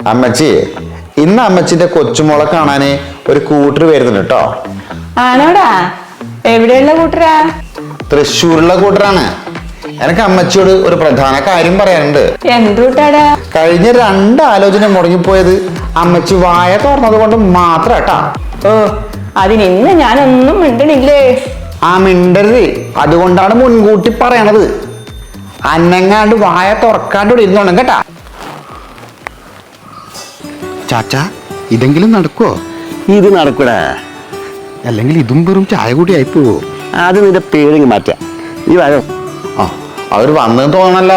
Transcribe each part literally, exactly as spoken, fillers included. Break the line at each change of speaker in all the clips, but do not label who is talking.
അമ്മച്ചി, ഇന്ന് അമ്മച്ചിന്റെ കൊച്ചുമോളെ കാണാന് ഒരു കൂട്ടർ വരുന്നുണ്ട് കേട്ടോ.
ആണോടാ? എവിടെയുള്ള കൂട്ടരാ?
തൃശ്ശൂരുള്ള കൂട്ടറാണ്. എനിക്ക് അമ്മച്ചിയോട് ഒരു പ്രധാന കാര്യം പറയാനുണ്ട്.
എന്തുട്ടാടാ?
കഴിഞ്ഞ രണ്ട് ആലോചന മുടങ്ങിപ്പോയത് അമ്മച്ചി വായ തുറന്നത് കൊണ്ട് മാത്രം കേട്ടാ.
ഓ, അതിന് ഇന്ന് ഞാനൊന്നും മിണ്ടണില്ലേ?
ആ മിണ്ടരുത്, അതുകൊണ്ടാണ് മുൻകൂട്ടി പറയണത്. അന്നങ്ങാണ്ട് വായ തുറക്കാണ്ട് ഇവിടെ ഇരുന്നോണം കേട്ടാ.
ചാച്ചാ, ഇതെങ്കിലും നടക്കുവോ?
ഇത് നടക്കൂടാ.
അല്ലെങ്കിൽ ഇതും വെറും ചായ കൂടി ആയിപ്പോവോ?
അത് നിന്റെ പേരിങ് മാറ്റാം. നീ വായോ.
ആ, അവര് വന്നെന്ന് തോന്നണല്ലോ.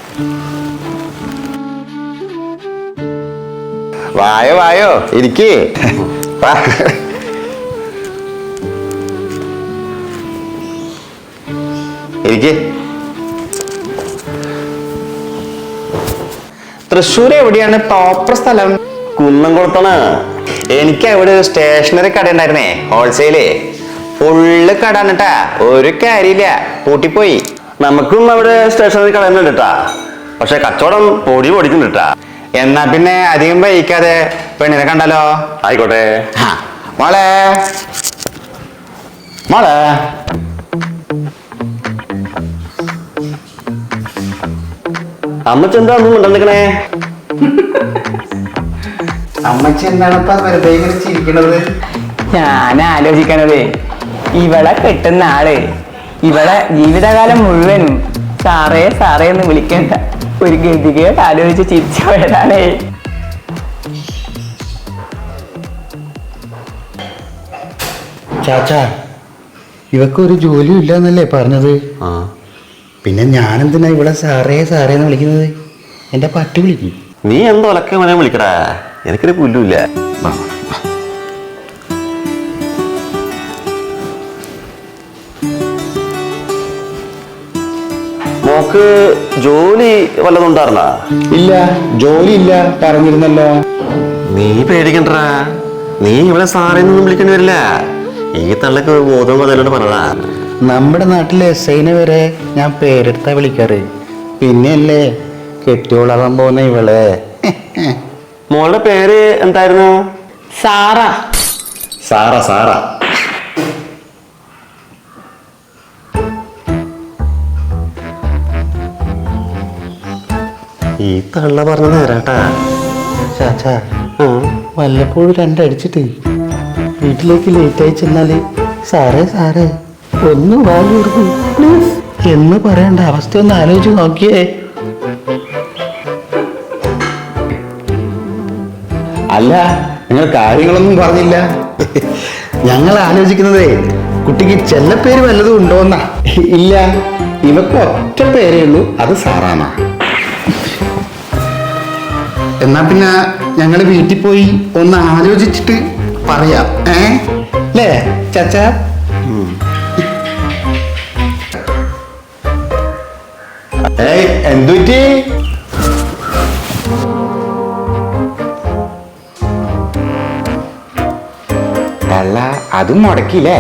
വായോ വായോ, ഇരിക്കേ. ഇരിക്കേ. തൃശ്ശൂർ എവിടെയാണ് പ്രോപ്പർ സ്ഥലം?
കുന്നംകുളത്താണ്.
എനിക്ക് അവിടെ ഒരു സ്റ്റേഷനറി കട ഉണ്ടായിരുന്നേ, ഹോൾസെയില്. ഫുള്ള് കട എന്നിട്ടാ, ഒരു കാര്യമില്ല, പൂട്ടിപ്പോയി.
നമുക്കും അവിടെ സ്റ്റേഷനറി കടയുന്നുണ്ട് കേട്ടാ. പക്ഷെ കച്ചവടം പൊടി പൊടിക്കുന്നുണ്ട് കേട്ടാ.
എന്നാ പിന്നെ അധികം വൈകാതെ പെണ്ണിനെ കണ്ടാലോ?
ആയിക്കോട്ടെ.
മോളെ മോളെ
അമ്മച്ചി എന്താ ഒന്നും ഉണ്ടെന്നിക്കണേ?
അമ്മച്ചി എന്താണ് വെറുതെ ഇങ്ങനെ ചിരിക്കണത്?
ഞാൻ ആലോചിക്കണതേ, ഇവളെ കെട്ടുന്ന ആള് ഇവളെ ജീവിതകാലം മുഴുവനും സാറേ സാറേ എന്ന് വിളിക്കണ്ട ഒരു ഗതികേട് ആലോചിച്ച് ചിരിച്ചു പോയതാണേ.
ചാച്ചാ, ഇവക്കൊരു ജോലിയും ഇല്ല എന്നല്ലേ പറഞ്ഞത്?
ആ,
പിന്നെ ഞാനെന്തിനാ ഇവിടെ സാറേ സാറേ എന്ന് വിളിക്കുന്നത്? എൻ്റെ പട്ടി വിളിക്കും.
നീ എന്തോ ഒലക്കെ മനെ വിളിക്കടാ, എനിക്കൊരു പുല്ലുമില്ല. മോക്ക് ജോലി വല്ലതും ഉണ്ടായിരുന്നാ?
ഇല്ല, ജോലി ഇല്ല പറഞ്ഞിരുന്നല്ലോ.
നീ പേടിക്കണ്ടാ, നീ ഇവിടെ സാറേന്നൊന്നും വിളിക്കേണ്ടി വരില്ല. ഈ തള്ളക്ക് ബോധം പതിലോട്ട് പറഞ്ഞതാ.
നമ്മുടെ നാട്ടിലെ എസ് ഐനെ വരെ ഞാൻ പേരെടുത്താ വിളിക്കാറ്. പിന്നെയല്ലേ കെട്ടിയോളാവാൻ പോകുന്ന ഇവളെ.
മോളുടെ പേര് എന്തായിരുന്നു?
സാറ.
സാറ. സാറ ഈ തള്ള പറഞ്ഞത് നേരാട്ടാ.
ചാച്ചാ, വല്ലപ്പോഴും രണ്ടടിച്ചിട്ട് വീട്ടിലേക്ക് ലേറ്റായി ചെന്നാല് സാറേ സാറേ ഒന്ന് വാലൂർക്കും എന്ന് പറയേണ്ട അവസ്ഥ ഒന്ന് ആലോചിച്ച് നോക്കിയേ.
അല്ല, നിങ്ങൾ കാര്യങ്ങളൊന്നും പറഞ്ഞില്ല.
ഞങ്ങൾ ആലോചിക്കുന്നതേ കുട്ടിക്ക് ചെല്ലപ്പേര് വല്ലതും ഉണ്ടോന്നാ.
ഇല്ല, ഇവക്ക് ഒറ്റ പേരേ ഉള്ളൂ, അത് സാറാന്നാ.
എന്നാ പിന്നെ ഞങ്ങൾ വീട്ടിൽ പോയി ഒന്ന് ആലോചിച്ചിട്ട് പറയാം. ഏ അല്ലേ ചാച്ചാ?
ഏയ്, എന്തുറ്റി? തള്ള അതും മുടക്കില്ലേ?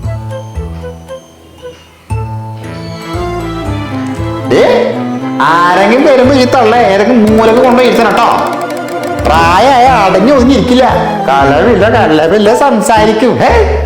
ആരെങ്കിലും വരുമ്പോ ഈ തള്ള ഏതെങ്കിലും മൂലക്ക് കൊണ്ടുപോയി ഇരുത്തണം കേട്ടോ. പ്രായമായ അടങ്ങി ഒതുങ്ങിയിരിക്കില്ല. കളവില്ല കള്ളവില്ല സംസാരിക്കും. ഏ